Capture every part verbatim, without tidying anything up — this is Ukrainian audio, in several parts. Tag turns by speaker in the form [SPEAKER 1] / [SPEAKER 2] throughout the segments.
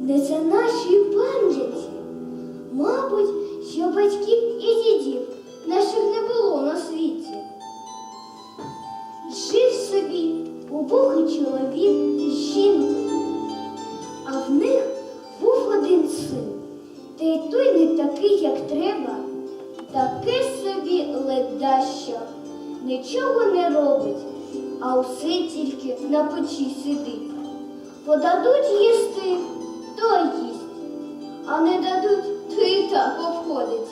[SPEAKER 1] не за нашої пам'яті. Мабуть, що батьків і дідів наших не було на світі. Жив собі убогий чоловік з жінкою, а в них був один син, та й той не такий, як треба, таке собі ледащо, нічого не робить, а все тільки на печі сидить. Подадуть їсти, то й їсть, а не дадуть, то і так обходиться.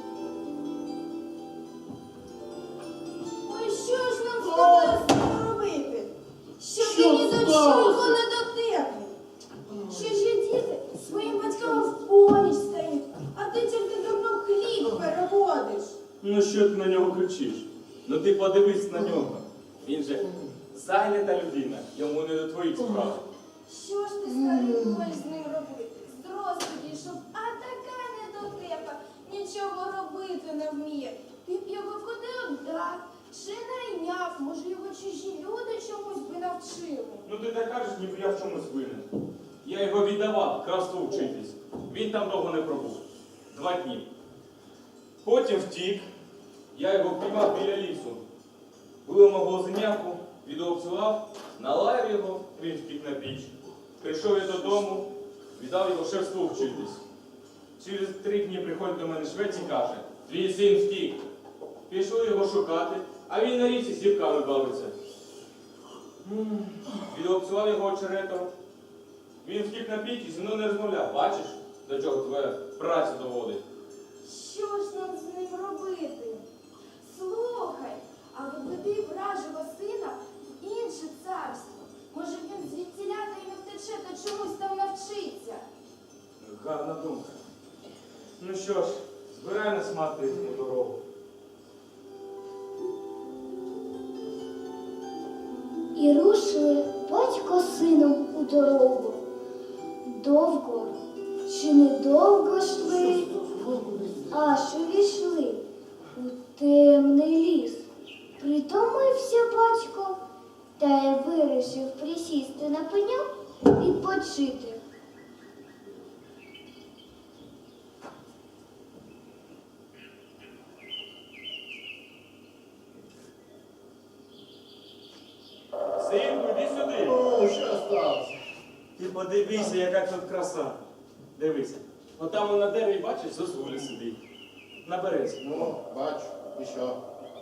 [SPEAKER 2] Ой, що ж нам з тобою з цим робити? Що ти ні до чого не дотепний? Ще ж є діти своїм батькам в поміч стають, а ти тільки дурно хліб переводиш.
[SPEAKER 3] Ну що ти на нього кричиш? Ну ти подивись на нього. Він же зайнята людина, йому не до твоїх справ.
[SPEAKER 2] Що ж ти, старий, будеш з ним робити? Зрос підійшов, а така недотепа, нічого робити не вміє. Ти б його куди віддав, чи найняв, може його чужі люди чомусь би навчили.
[SPEAKER 3] Ну ти так кажеш, ніби я в чомусь винен. Я його віддавав красу вчитись. Він там довго не пробув. Два дні. Потім втік. Я його піймав біля лісу. Вилив мого зеняку, відоопсував, налаяв його, він втік на піч. Прийшов я додому, віддав його шефству вчитись. Через три дні приходить до мене швець і каже: твій син втік. Пішли його шукати, а він на річці з дівками бавиться. Відоопсував його очеретом. Він втік на піч і зі мною не розмовляв. Бачиш, до чого твоя праця доводить?
[SPEAKER 2] Що ж нам з ним робити? Слухай, а відведи вражого сина в інше царство. Може він звідтіля та й не втече, та чомусь там навчиться.
[SPEAKER 3] Гарна думка. Ну що ж, збирай нас мати у дорогу.
[SPEAKER 1] І рушили батько з сином у дорогу. Довго чи недовго йшли, аж увійшли у темний ліс. Притомився батько, та й вирішив присісти на пеньок відпочити.
[SPEAKER 3] Синку, іди сюди.
[SPEAKER 4] Ну, що сталося?
[SPEAKER 3] Ти подивися, яка тут краса. Дивися. Отам на дереві, бачиш, зозуля сидить. На березі.
[SPEAKER 4] Ну, бачу, і що?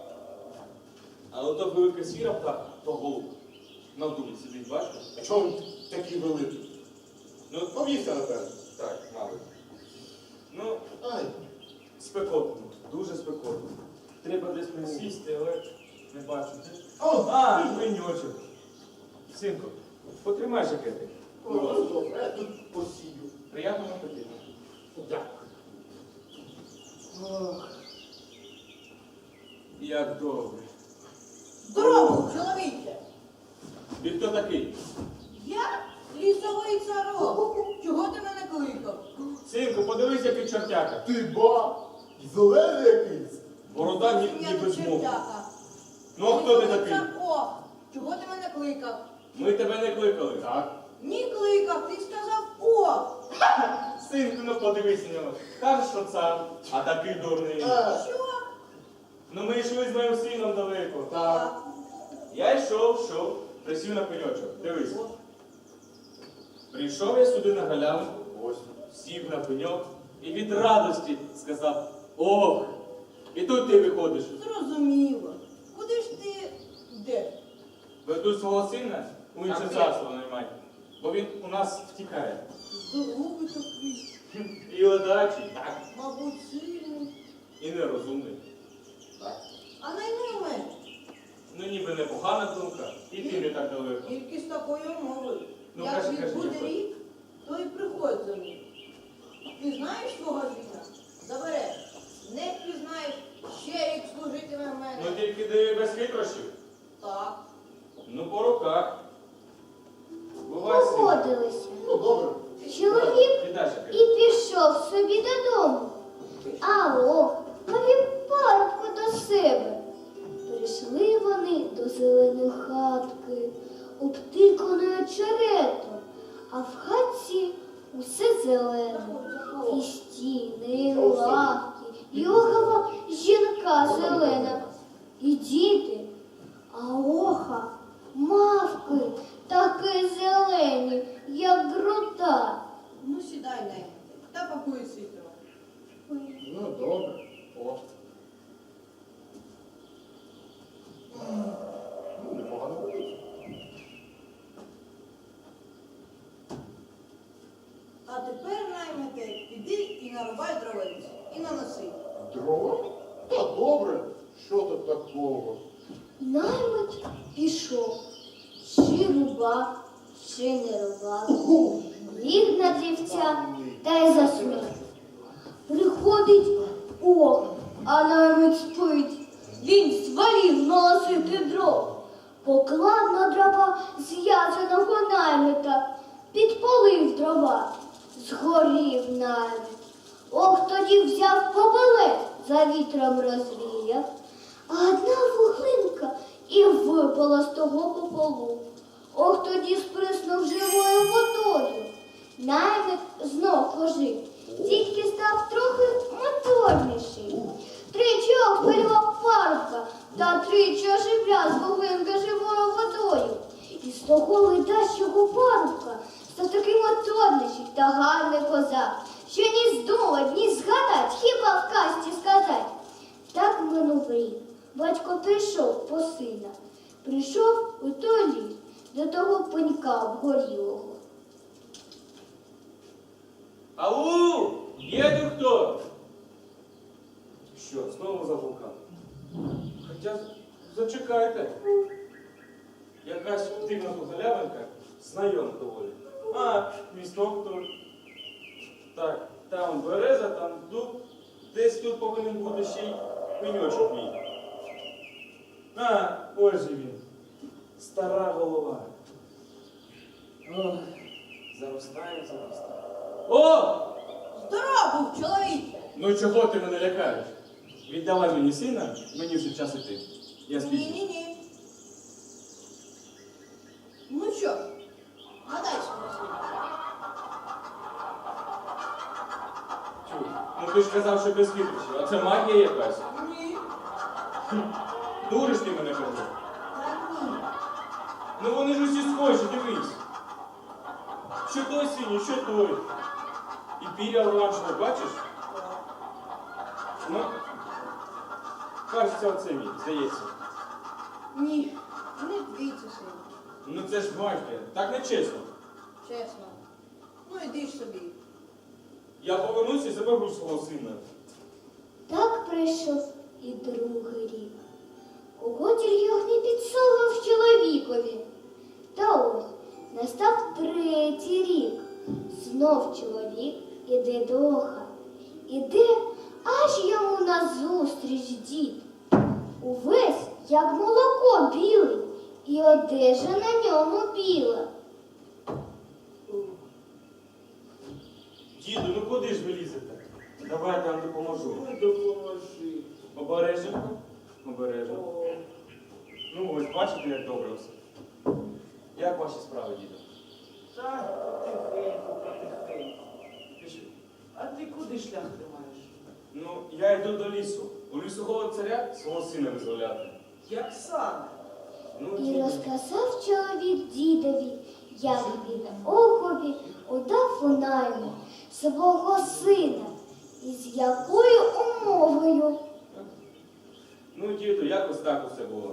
[SPEAKER 3] А ото велика сіра птаха, то голуб. На дубі сидить, бачиш?
[SPEAKER 4] А чому він такий великий?
[SPEAKER 3] Ну,
[SPEAKER 4] Повівся, напевно.
[SPEAKER 3] так, мабуть. Ну,
[SPEAKER 4] Ай,
[SPEAKER 3] спекотно, дуже спекотно. Треба десь присісти, але не бачу. Де?
[SPEAKER 4] о,
[SPEAKER 3] А, пеньочок. Синку, потримай жакетик.
[SPEAKER 4] о, ну, добре, я тут посію.
[SPEAKER 3] Приятного апетиту.
[SPEAKER 4] Дякую. Ох.
[SPEAKER 3] Як добре.
[SPEAKER 5] Здорово, чоловіче!
[SPEAKER 3] Ти хто такий?
[SPEAKER 5] Я лісовий царок. Чого ти мене кликав?
[SPEAKER 3] Синку, подивись, який чортяка.
[SPEAKER 4] Ти ба, зелений якийсь.
[SPEAKER 3] Борода ні,
[SPEAKER 5] Я
[SPEAKER 3] ніби
[SPEAKER 5] не
[SPEAKER 3] змов.
[SPEAKER 5] чертяка.
[SPEAKER 3] Ну, а хто ти
[SPEAKER 5] Лісовий
[SPEAKER 3] такий?
[SPEAKER 5] царок. Чого ти мене кликав?
[SPEAKER 3] Ми тебе не кликали.
[SPEAKER 4] Так.
[SPEAKER 5] Ні кликав, ти сказав о!
[SPEAKER 3] Синку, ну подивись на нього. Кажеш, що цар, а такий дурний.
[SPEAKER 4] А,
[SPEAKER 5] Що?
[SPEAKER 3] Ну ми йшли з моїм сином далеко.
[SPEAKER 4] так.
[SPEAKER 3] Я йшов, йшов, присів на пеньочок. Дивись. Прийшов я сюди на галявинку,
[SPEAKER 4] Ось.
[SPEAKER 3] сів на пеньок і від радості сказав: ох! І тут ти виходиш.
[SPEAKER 5] Зрозуміло. Куди ж ти йдеш?
[SPEAKER 3] Веду свого сина у інше
[SPEAKER 5] Так,
[SPEAKER 3] царство наймай, бо він у нас втікає.
[SPEAKER 5] Здоровий такий,
[SPEAKER 3] І ледачий, так,
[SPEAKER 5] мабуть, сильний.
[SPEAKER 3] і нерозумний.
[SPEAKER 4] Так.
[SPEAKER 5] А найми мене.
[SPEAKER 3] Ну ніби непогана думка, і ти не так далеко.
[SPEAKER 5] Тільки з такою мовою.
[SPEAKER 3] Ну,
[SPEAKER 5] Як
[SPEAKER 3] кажи, кажи,
[SPEAKER 5] відбуде
[SPEAKER 3] Дякую.
[SPEAKER 5] рік, то й приходь за мною. Ти знаєш свого життя? Забереш. Не впізнаєш, ще рік служитиме в мене.
[SPEAKER 3] Ну тільки диви без хитрощів.
[SPEAKER 5] Так.
[SPEAKER 3] Ну по руках. Бувай син.
[SPEAKER 1] Погодилися.
[SPEAKER 4] Ну, добре.
[SPEAKER 1] Чоловік
[SPEAKER 3] Віддай
[SPEAKER 1] і
[SPEAKER 3] жакет.
[SPEAKER 1] пішов собі додому. А о, повів парубку до себе. Прийшли вони до зеленої хатки, обтиканої очеретом, а в хатці усе зелене. І стіни, і лавки, і огава жінка зелена, і діти, а оха, мавки, такі зелені, як груда.
[SPEAKER 5] Ну, сідай, Наймите, та пакуй світло.
[SPEAKER 4] Ну, добре. О. Ну, непогано вийшло.
[SPEAKER 5] А тепер, Наймите, іди і нарубай дровиць, і наноси.
[SPEAKER 4] Дрова? Та добре. Що тут такого?
[SPEAKER 1] Наймит пішов, чи рубав, чи не рубав. Ліг на дрівця та й заснув. Приходить ох, а наймит спить. Він звалів носити дров. Поклав на дрова зв'язаного наймита, підпалив дрова, згорів наймит. Ох, тоді взяв попелець, за вітром розвіяв, а одна вуглинка і випала з того пополу. Ох, тоді сприснув живою водою. Наймит знов пожив, тільки став трохи моторніший. Тричі обпалював парубка, та тричі оживляв з вуглинка живою водою. І з того ледащого парубка став такий моторніший та гарний козак, що ні здумать, ні згадать, хіба в казці сказать. Так минув рік. Батько прийшов по сина. Прийшов у той ліс до того пенька обгорілого.
[SPEAKER 3] Ау! Є тут хто? Що, знову заблукав? Хоча з- зачекайте. Якась дивна тут галявинка, знайома доволі. А, місток тут. Так, там береза, там дуб. Десь тут повинен бути ще й пеньочок мій. А, ось же він. Стара голова. Ох, заростає, заростає. О!
[SPEAKER 5] Здоров був, чоловіче!
[SPEAKER 3] Ну чого ти мене лякаєш? Віддавай мені сина, мені вже час іти. Я спізнюсь.
[SPEAKER 5] Ні-ні-ні. Ну що ж, гадай свого сина.
[SPEAKER 3] Чуй, ну ти ж казав, що без хитрощів, а це магія якась.
[SPEAKER 5] Ні.
[SPEAKER 3] Дуриш ти мене кажу.
[SPEAKER 5] Та ні.
[SPEAKER 3] Ну вони ж усі схожі, дивись. Що той синій, що той. І піря оранжеве, бачиш? Ну, кажеться, оце мій, здається.
[SPEAKER 5] Ні, не твій це син.
[SPEAKER 3] Ну це ж магія, так не чесно.
[SPEAKER 5] Чесно. Ну іди ж собі.
[SPEAKER 3] Я повернуся і заберу свого сина.
[SPEAKER 1] Так прийшов і другий рік. Кого тільки не підсовував чоловікові. Та ось настав третій рік. Знов чоловік іде до оха. Іде, аж йому назустріч дід. Увесь, як молоко білий, і одежа на ньому біла.
[SPEAKER 3] Діду, ну куди ж ви лізете? Давай я вам допоможу.
[SPEAKER 4] Ну, допоможи.
[SPEAKER 3] Обереженько. Обережно.
[SPEAKER 4] О.
[SPEAKER 3] Ну ось, бачите, як добре все. Як ваші справи, діду?
[SPEAKER 6] Так, потихеньку, потихеньку.
[SPEAKER 3] Пішли.
[SPEAKER 6] А ти куди шлях тримаєш?
[SPEAKER 3] Ну, я йду до лісу. У лісового царя свого сина визволяти.
[SPEAKER 6] Як саме?
[SPEAKER 3] Ну,
[SPEAKER 1] І
[SPEAKER 3] діду.
[SPEAKER 1] розказав чоловік дідові, як він охові удав у найму свого сина, і з якою умовою.
[SPEAKER 3] Ну, діду, якось так усе було.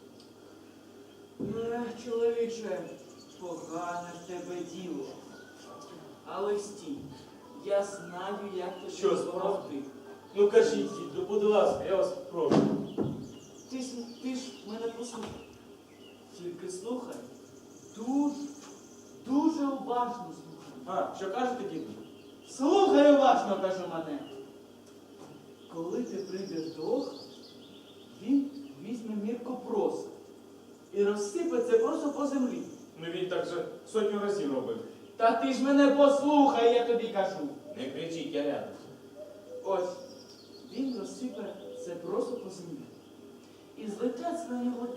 [SPEAKER 6] Ех, чоловіче, погане в тебе діло. Але стій, я знаю, як тобі
[SPEAKER 3] Що,
[SPEAKER 6] допомогти.
[SPEAKER 3] Ну кажіть, діду, будь ласка, я вас прошу.
[SPEAKER 6] Ти ж, ти ж мене послухай. Тільки слухай. Дуже, дуже уважно слухай.
[SPEAKER 3] А, що кажете, діду?
[SPEAKER 6] Слухай уважно, кажу мене. Коли ти прийдеш до Оха, він візьме мірку проса і розсипеться просто по землі.
[SPEAKER 3] Ну він так же сотню разів робив.
[SPEAKER 6] Та ти ж мене послухай, я тобі кажу.
[SPEAKER 3] Не кричіть, я рядом.
[SPEAKER 6] Ось, він розсипе це просто по землі. І злетять на нього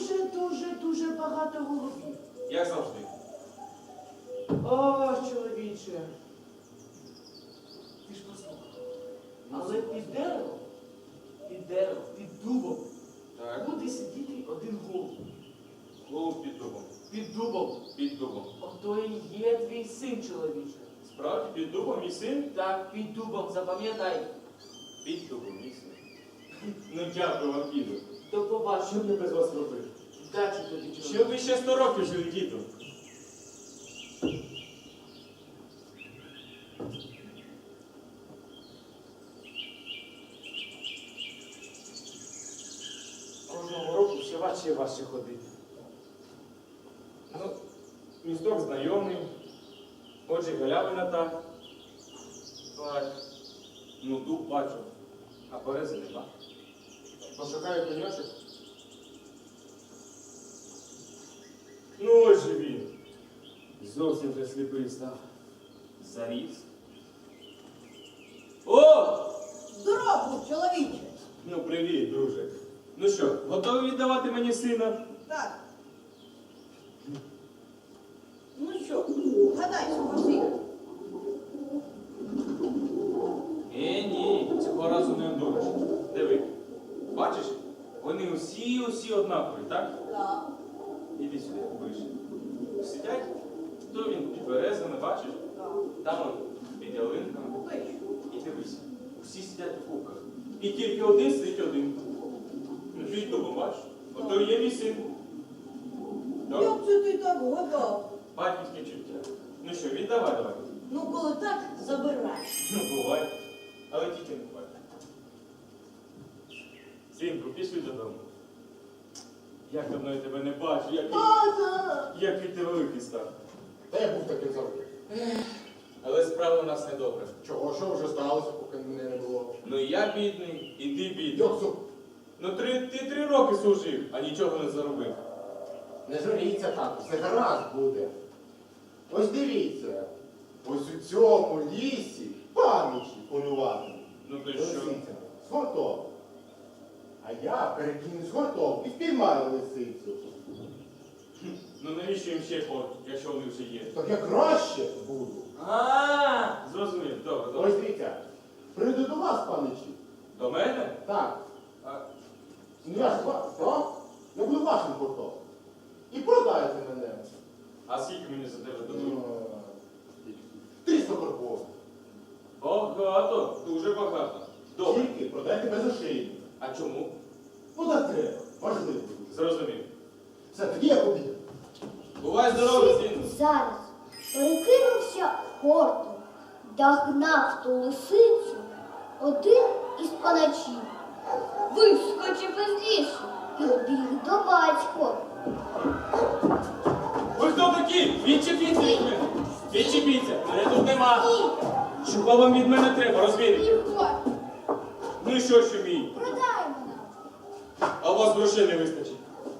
[SPEAKER 6] дуже-дуже-дуже багато голубів.
[SPEAKER 3] Як завжди.
[SPEAKER 6] О, чоловіче, чоловіче, ти ж послухай. Але під деревом, під деревом, під дубом
[SPEAKER 3] Так,
[SPEAKER 6] буде сидіти один голуб.
[SPEAKER 3] голуб під дубом.
[SPEAKER 6] Під дубом.
[SPEAKER 3] Під дубом.
[SPEAKER 6] Ото і є твій син, чоловіче.
[SPEAKER 3] Справді, під дубом мій син?
[SPEAKER 6] Так, під дубом, запам'ятай.
[SPEAKER 3] Під дубом мій син. Ну дякую вам, діду.
[SPEAKER 6] До
[SPEAKER 3] Що б
[SPEAKER 6] побачення.
[SPEAKER 3] я без вас робив?
[SPEAKER 6] Вдачі тобі,
[SPEAKER 3] Ще
[SPEAKER 6] чоловіче.
[SPEAKER 3] ви ще сто років жили, діду. Кожного року все важче і важче ходити. Ну, місток знайомий, отже галявина та. Так. Ну, дуб бачу, а берези нема. Пошукаю пеньочок. Ну, ось же він. Зовсім вже сліпий став. Заріс. О!
[SPEAKER 5] Здоров, чоловіче.
[SPEAKER 3] Ну, привіт, друже. Ну що, готовий віддавати мені сина?
[SPEAKER 5] Так. Ну що, гадай, спроси.
[SPEAKER 3] Е, ні, цього разу не одуриш. Диви. Бачиш, вони усі-усі однакові, так?
[SPEAKER 5] Так.
[SPEAKER 3] Іди сюди, ближче. Сидять, то він під березами, бачиш?
[SPEAKER 5] Так.
[SPEAKER 3] Там он під ялинками.
[SPEAKER 5] Вийшов.
[SPEAKER 3] І дивися, всі сидять у кубках. І тільки один сидить один. Ну, під дубом, бачиш? Ото є мій син. Так?
[SPEAKER 5] Як це ти так гадав?
[SPEAKER 3] Батьківське чуття. Ну що, віддавай, давай.
[SPEAKER 5] Ну, коли так, забирай.
[SPEAKER 3] Ну, бувай. Але тільки не бувай. Синку, пішли додому. Як давно я тебе не бачу, як,
[SPEAKER 5] Ага.
[SPEAKER 3] який ти великий став.
[SPEAKER 4] Та я був таким завжди.
[SPEAKER 3] Але справа у нас недобре.
[SPEAKER 4] Чого, що вже сталося, поки мене не було?
[SPEAKER 3] Ну і я бідний, і ти бідний.
[SPEAKER 4] Йоксу,
[SPEAKER 3] Ну три, ти три роки служив, а нічого не заробив.
[SPEAKER 4] не журіться так, все гаразд буде. Ось дивіться, ось у цьому лісі пам'яті полювати.
[SPEAKER 3] Ну то й що?
[SPEAKER 4] Лисиця з гуртом. А я перекину з гуртом і спіймаю лисицю.
[SPEAKER 3] Ну навіщо їм ще хор, якщо вони вже є?
[SPEAKER 4] Так я краще буду.
[SPEAKER 6] А,
[SPEAKER 3] Зрозумів, добре,
[SPEAKER 4] Ось
[SPEAKER 3] добре.
[SPEAKER 4] дивіться, прийду до вас, паничі.
[SPEAKER 3] До мене?
[SPEAKER 4] Так,
[SPEAKER 3] А,
[SPEAKER 4] ну я ж вас, так? Я буду вашим гуртом. І продайте мене.
[SPEAKER 3] а скільки мені за тебе дадуть?
[SPEAKER 4] Триста карбов.
[SPEAKER 3] Багато, дуже багато. Добре.
[SPEAKER 4] Тільки продайте без ошейника.
[SPEAKER 3] А чому?
[SPEAKER 4] Ну так треба, важливо дуже.
[SPEAKER 3] Зрозумів.
[SPEAKER 4] Все, тоді я побіг.
[SPEAKER 3] Бувай здоровий,
[SPEAKER 1] Син
[SPEAKER 3] сину.
[SPEAKER 1] зараз перекинувся хортом, догнав ту лисицю один із паначів, вискочив із лісу і біг до батька.
[SPEAKER 3] Ви хто такі? Відчепіться від мене. Відчепіться. Мене тут нема. Чого вам від мене треба, розвіріть?
[SPEAKER 2] Ігор,
[SPEAKER 3] Ну і що, що мій?
[SPEAKER 2] продай мене.
[SPEAKER 3] А у вас грошей не вистачить.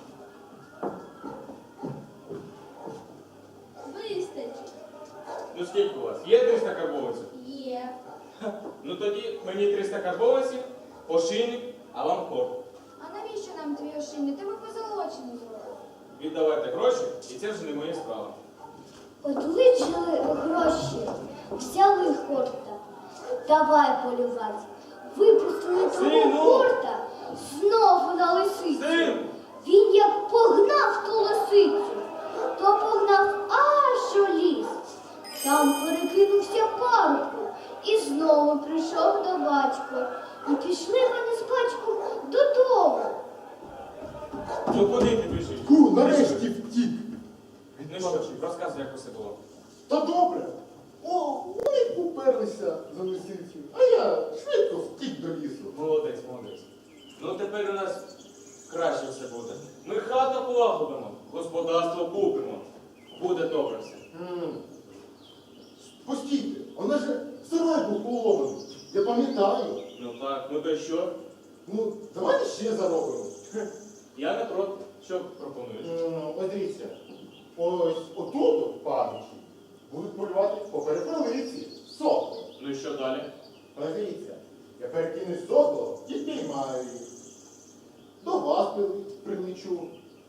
[SPEAKER 2] Вистачить.
[SPEAKER 3] Ну скільки у вас? Є триста карбованців?
[SPEAKER 2] Є.
[SPEAKER 3] Ну тоді мені триста карбованців, ошийник, а вам хор.
[SPEAKER 2] А навіщо нам твій ошейник? Ти ми позолочені зробили.
[SPEAKER 3] Віддавайте гроші, і це вже не моя справа.
[SPEAKER 1] Одличили гроші, взяли хорта, давай полювати. Випустили того
[SPEAKER 3] Сину!
[SPEAKER 1] хорта знову на лисицю.
[SPEAKER 3] Син!
[SPEAKER 1] Він як погнав ту лисицю, то погнав аж у ліс. Там перекинувся парубку і знову прийшов до батька. І пішли вони з батьком додому.
[SPEAKER 3] Ну куди ти біжиш?
[SPEAKER 4] Фу, нарешті втік.
[SPEAKER 3] Ну що, розказуй, як усе було.
[SPEAKER 4] Та добре. О, вони поперлися за лисицю, а я швидко втік до лісу.
[SPEAKER 3] Молодець, молодець. Ну тепер у нас краще все буде. Ми хату полагодимо, господарство купимо. Буде добре все.
[SPEAKER 4] М. Постійте, вона ж сарай був поломаний. Я пам'ятаю.
[SPEAKER 3] Ну так, ну то й що?
[SPEAKER 4] Ну, давайте ще заробимо.
[SPEAKER 3] Я не проти. Що пропонуєш?
[SPEAKER 4] М, Ось дивіться, ось отут, в пам'яті, будуть полювати по перепелиці, сокол.
[SPEAKER 3] Ну і що далі?
[SPEAKER 4] Ось дивіться, я перекину сокол і піймаю їх. До вас прили- прилечу.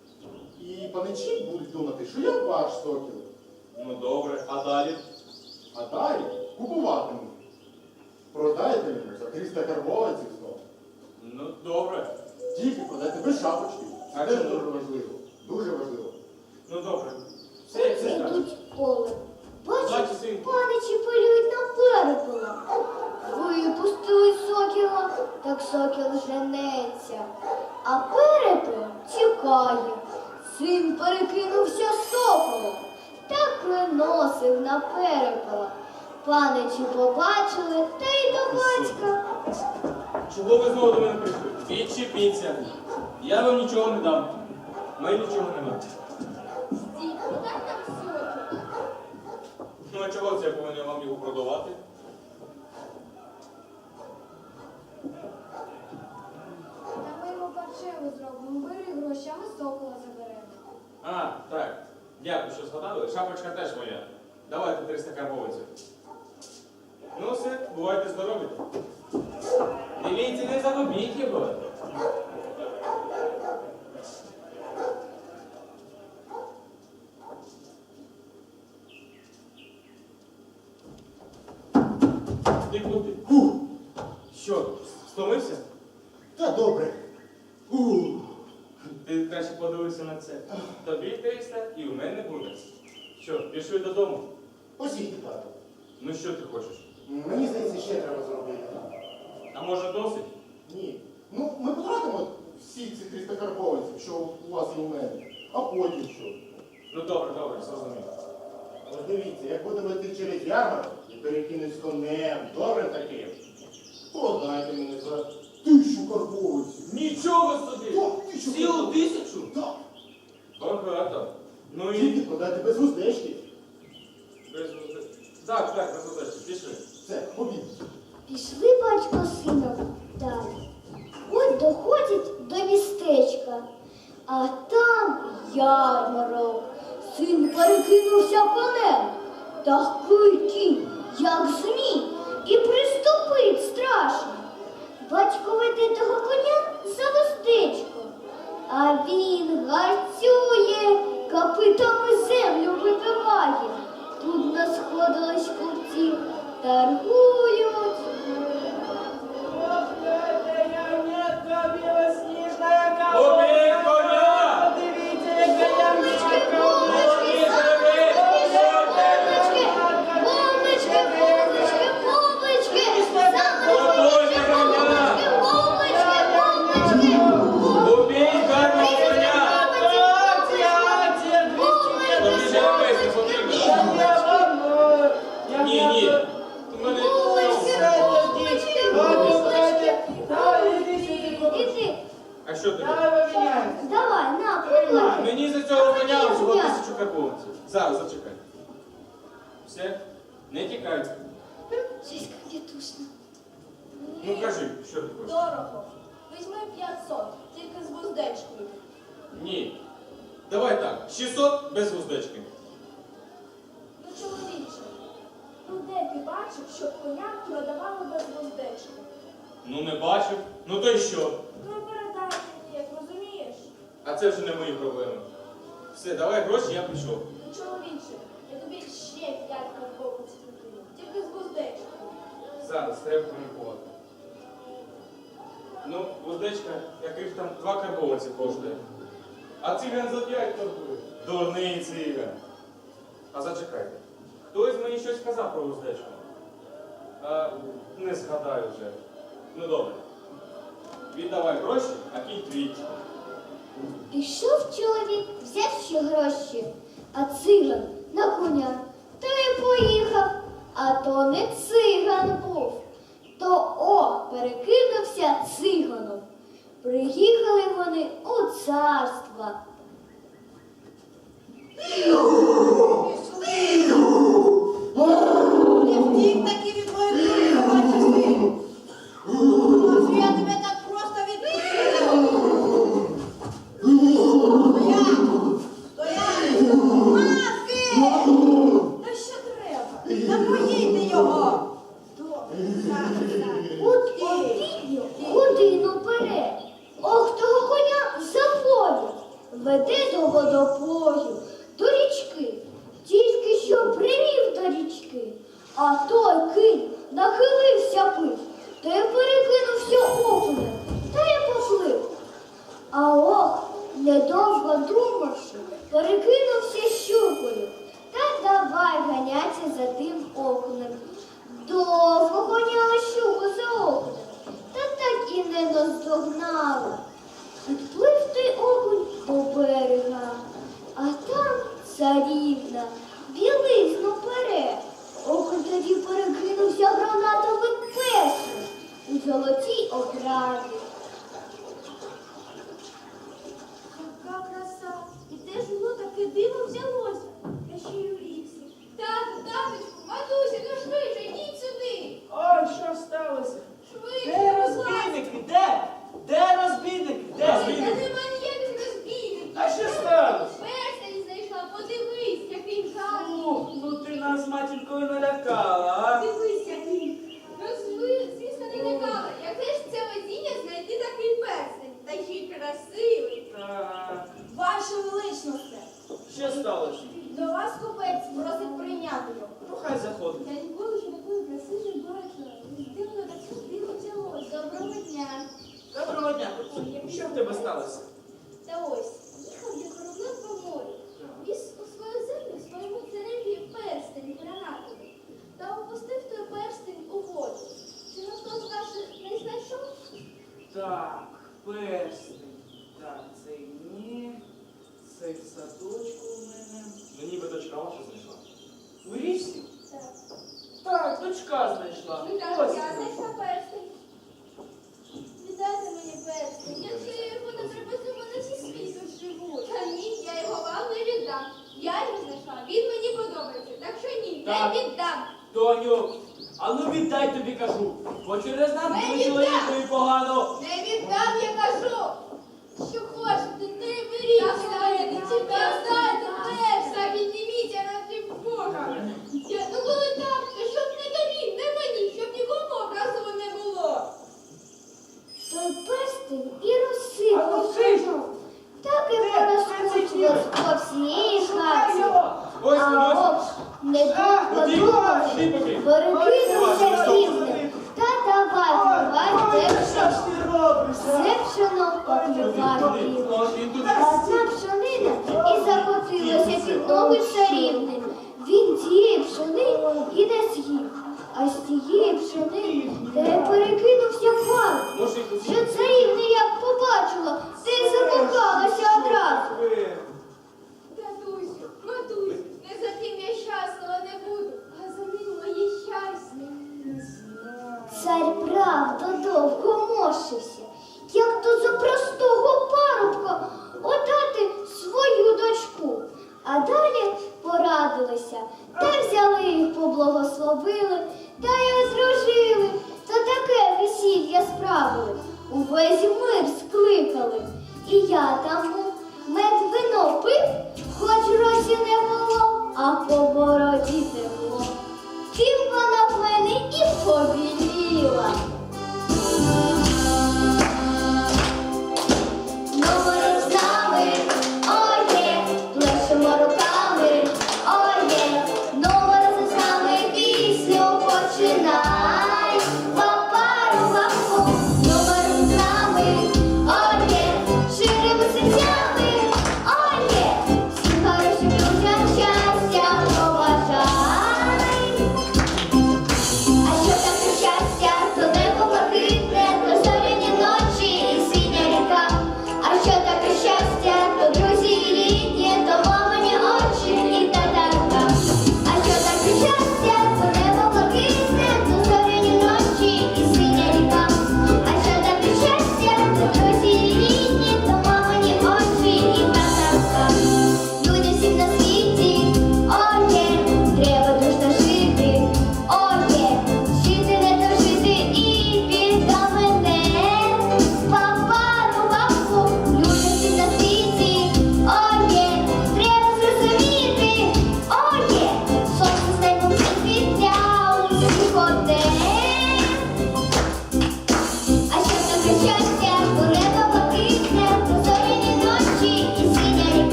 [SPEAKER 4] І паничі будуть думати, що я ваш сокіл.
[SPEAKER 3] Ну добре, а далі?
[SPEAKER 4] А далі купуватимуть. Продайте мені за триста карбованців знову.
[SPEAKER 3] Ну, добре.
[SPEAKER 4] Тільки продайте без шапочки.
[SPEAKER 3] А
[SPEAKER 4] Це
[SPEAKER 3] чому?
[SPEAKER 4] дуже важливо. Дуже важливо.
[SPEAKER 3] Ну, добре. Все, як
[SPEAKER 1] Оце
[SPEAKER 3] все скажеш.
[SPEAKER 1] йдуть в поле. Бачиш,
[SPEAKER 3] Бачу, синку.
[SPEAKER 1] паничі полюють на перепела. Випустили сокіла, так сокіл женеться. А перепел тікає. Син перекинувся соколом, так виносив на перепела. Паничі побачили, та й до батька.
[SPEAKER 3] Чого ви знову до мене прийшли? Відчепіться. Я вам нічого не дам. Ми нічого не маємо.
[SPEAKER 2] Стій, продай нам сокіл.
[SPEAKER 3] Ну, а чого це я повинен вам його продавати?
[SPEAKER 2] Та ми йому паршиву зробимо. Бери гроші, а ми сокола заберемо.
[SPEAKER 3] А, так. Дякую, що згадали. Шапочка теж моя. Давайте триста карбованців. Ну все, бувайте здорові. Дивіться, не загубіть його. Ти куди?
[SPEAKER 4] Фух,
[SPEAKER 3] Що, стомився?
[SPEAKER 4] та добре. Ух.
[SPEAKER 3] Ти краще подивися на це. Тобі триста і у мене буде. Що, пішли додому?
[SPEAKER 4] Посійте, тато.
[SPEAKER 3] Ну що ти хочеш?
[SPEAKER 4] Мені здається, ще треба зробити.
[SPEAKER 3] А може досить?
[SPEAKER 4] Ні. Ну, ми потратимо всі ці триста карбованців, що у вас і у мене. А потім що?
[SPEAKER 3] Ну добре, добре, зрозумів.
[SPEAKER 4] Ось дивіться, як будемо йти через ярмарок і перекинусь конем, добре таким. Продайте мене за тисячу карбованців.
[SPEAKER 3] Нічого собі!
[SPEAKER 4] Так, тисячу
[SPEAKER 3] Цілу
[SPEAKER 4] карбованців.
[SPEAKER 3] тисячу?
[SPEAKER 4] Так.
[SPEAKER 3] Багато. Ну
[SPEAKER 4] Тільки
[SPEAKER 3] і...
[SPEAKER 4] продайте без вуздечки.
[SPEAKER 3] Без води. Так, так, без води. Пішли.
[SPEAKER 4] Все, побіг.
[SPEAKER 1] Пішли батько з сином далі. От доходять до містечка, а там ярмарок. Син перекинувся конем, такий кінь, як змій, і приступить страшно. Батько веде того коня за вуздечко, а він гарцює, копитами землю вибиває. Тут насходились купці, торгують.
[SPEAKER 3] Убий коня!
[SPEAKER 1] Бомбочки, бомбочки, бомбочки, бомбочки, бомбочки, бомбочки,
[SPEAKER 3] Готуйте коня!
[SPEAKER 1] бомбочки, бомбочки,
[SPEAKER 3] Убій гарно коня! Тобі же вивезти потрібно. Ні, ні. У мене...
[SPEAKER 1] Іди,
[SPEAKER 3] А що тобі?
[SPEAKER 1] давай, на, поплати.
[SPEAKER 3] Мені за цього коня всього тисячу карбованців. Зараз, зачекай. Все? Не тікай.
[SPEAKER 1] Щось капітушно.
[SPEAKER 3] Ну кажи, що ти хочеш?
[SPEAKER 2] Дорого. Візьми п'ятсот, тільки з вуздечкою.
[SPEAKER 3] Ні. Давай так, шістсот без вуздечки.
[SPEAKER 2] Ну, чоловіче, ну де ти бачив, щоб коня продавали без вуздечки?
[SPEAKER 3] Ну не бачив. Ну то й що?
[SPEAKER 2] Ну і передай мені, як розумієш?
[SPEAKER 3] А це вже не мої проблеми. Все, давай гроші, я пішов.
[SPEAKER 2] Ну, чоловіче, я тобі ще п'ять карбованців кину, тільки з вуздечкою.
[SPEAKER 3] Зараз треба комунікувати. Ну, вуздечка, яких там два карбованці коштує. А циган за п'ять торгує. Дурний циган. А зачекайте. Хтось мені щось казав про вуздечку. А, не згадаю вже. Ну добре. Віддавай гроші, а кінь твій.
[SPEAKER 1] Пішов чоловік, взяв ще гроші, а циган на коня, та й поїхав. А то не циган був, то о, перекинувся циганом. Приїхали вони у царство.
[SPEAKER 5] Не втік таки від моєї курі, бачиш ти. Може, я тебе так просто відпустила? Стоять! Стоять! Маски!
[SPEAKER 2] Та що треба?
[SPEAKER 5] Напоїти його!
[SPEAKER 2] Добре, зараз, зараз.
[SPEAKER 1] От обідню годину перед. Ох, того коня заводять. Веде до водопою, до річки. Тільки що привів до річки, А той кінь нахилився пив, та й перекинувся окунем, та й поплив. А ох, недовго думавши, перекинувся щукою, та давай ганятися за тим окунем. Довго гоняла щуку за окунем, та так і не наздогнала. Відплив той окунь до берега, а там царівна білизну пере. Окунь тоді перекинувся гранатовим персом у золотій оправі.
[SPEAKER 2] Яка краса! І де ж воно таке диво взялося? Та ще й у лісі. Тату, таточку, матусю, ну швидше, йдіть сюди!
[SPEAKER 6] Ой, що сталося?
[SPEAKER 2] Швидше,
[SPEAKER 6] Де
[SPEAKER 2] будь ласка!
[SPEAKER 6] розбійники? Де? Де розбійники? Де?
[SPEAKER 2] Та нема ніяких розбійників!
[SPEAKER 6] А що сталося?
[SPEAKER 2] Перстень знайшла, подивись, який гарний!
[SPEAKER 6] Ух, ну ти нас матінкою налякала, а?
[SPEAKER 2] Дивись, який! Ну, зви- звісно, не лякала. Яке ж це везіння знайти такий перстень? Та ще й красивий!
[SPEAKER 6] Так.
[SPEAKER 2] Ваше величносте!
[SPEAKER 6] Що сталося?
[SPEAKER 2] До вас купець просить прийняти його.
[SPEAKER 6] Ну хай заходить.
[SPEAKER 2] Я ніколи ж такої краси не бачила. Де воно таке диво взялось? Доброго дня.
[SPEAKER 6] Доброго дня, хлопці. Що в тебе сталося?
[SPEAKER 2] Та ось, їхав я кораблем по морю. Віз у свою землю своєму цареві перстень гранатовий. Та опустив той перстень у воду. Чи ніхто з ваших не знайшов?
[SPEAKER 6] Так, перстень. Так, цей ні. Цей в садочку у мене.
[SPEAKER 3] Ну ніби дочка ваша знайшла.
[SPEAKER 6] У річці?
[SPEAKER 2] Так.
[SPEAKER 6] Так, дочка знайшла.
[SPEAKER 2] Ну так,
[SPEAKER 6] Ось.
[SPEAKER 2] я знайшла перстень. Віддайте мені перстень. Якщо я його не привезу, мене всі світу живуть. Та ні, я його вам не віддам. Я його знайшла, він мені подобається. Так що ні,
[SPEAKER 6] Так.
[SPEAKER 2] не віддам.
[SPEAKER 6] Тоню, а ну віддай тобі кажу. Бо через нас
[SPEAKER 2] Не
[SPEAKER 6] буде
[SPEAKER 2] віддам.
[SPEAKER 6] чоловікові погано.
[SPEAKER 2] Не віддам, я кажу. Що хочете, не беріть. Я знаю, не читайте перш, та підніміться ради Бога. Я, ну коли так, то щоб не тобі, не мені, щоб нікому образу не було.
[SPEAKER 1] Той перстень і
[SPEAKER 6] А ну
[SPEAKER 1] розсипався.
[SPEAKER 6] ти ж!
[SPEAKER 1] Так і
[SPEAKER 6] Де?
[SPEAKER 1] порозкручував по всієї хаті.
[SPEAKER 6] його!
[SPEAKER 3] Ось,
[SPEAKER 1] А
[SPEAKER 3] ось.
[SPEAKER 1] ось, недовго
[SPEAKER 3] Куди?
[SPEAKER 1] думавши,
[SPEAKER 3] Куди побіг?
[SPEAKER 1] перекинувся
[SPEAKER 3] Ой,
[SPEAKER 1] півнем. Та давай ховай те пшено. Все пшено поклював півнем.
[SPEAKER 3] Ось він тут.
[SPEAKER 1] Одна пшонина і закотилася під ноги царівни. Він цієї пшени і не з'їв, а з тієї пшени та й перекинувся в пар.
[SPEAKER 3] Може, і тут.
[SPEAKER 1] Що царівна як побачила, та й закохалася одразу.
[SPEAKER 2] Татусю, матусю, не за тим я щаслива не буду, а за ним моє щастя.
[SPEAKER 1] Цар правда довго морщився, як то за простого парубка отдати свою дочку. А далі порадилися, та взяли їх, поблагословили, та й одружили, та таке весілля справили. Увесь мир скликали. І я там був, мед вино пив, хоч росі не було, а по бороді текло. Тим вона в мене і побіліла.